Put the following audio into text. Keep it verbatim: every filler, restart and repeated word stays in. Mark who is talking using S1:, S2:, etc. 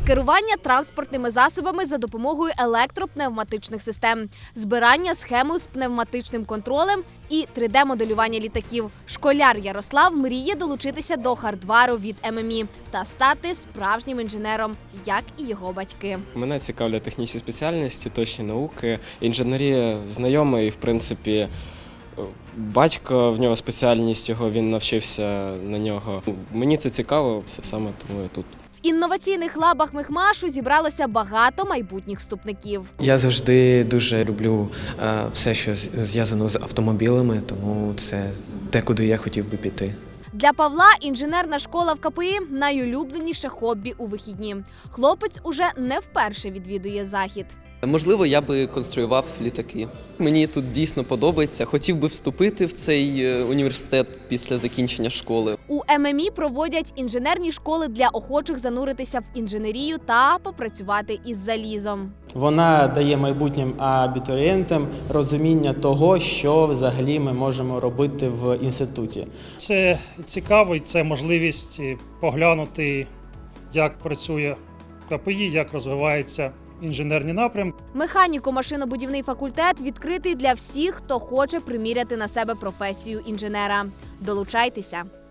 S1: керування транспортними засобами за допомогою електропневматичних систем, збирання схеми з пневматичним контролем і три де-моделювання літаків. Школяр Ярослав мріє долучитися до хардвару від ем ем і та стати справжнім інженером, як і його батьки.
S2: Мене цікавлять технічні спеціальності, точні науки, інженерія знайома і, в принципі, батько, в нього спеціальність, його він навчився на нього. Мені це цікаво, саме тому я тут.
S1: В інноваційних лабах Мехмашу зібралося багато майбутніх вступників.
S3: Я завжди дуже люблю е, все, що зв'язано з автомобілями, тому це те, куди я хотів би піти.
S1: Для Павла інженерна школа в ка пе і – найулюбленіше хобі у вихідні. Хлопець уже не вперше відвідує захід.
S4: Можливо, я би конструював літаки. Мені тут дійсно подобається. Хотів би вступити в цей університет після закінчення школи.
S1: У ем ем і проводять інженерні школи для охочих зануритися в інженерію та попрацювати із залізом.
S5: Вона дає майбутнім абітурієнтам розуміння того, що взагалі ми можемо робити в інституті.
S6: Це цікаво, це можливість поглянути, як працює ка пе і, як розвивається інженерні напрямки.
S1: Механіко-машинобудівний факультет відкритий для всіх, хто хоче приміряти на себе професію інженера. Долучайтеся!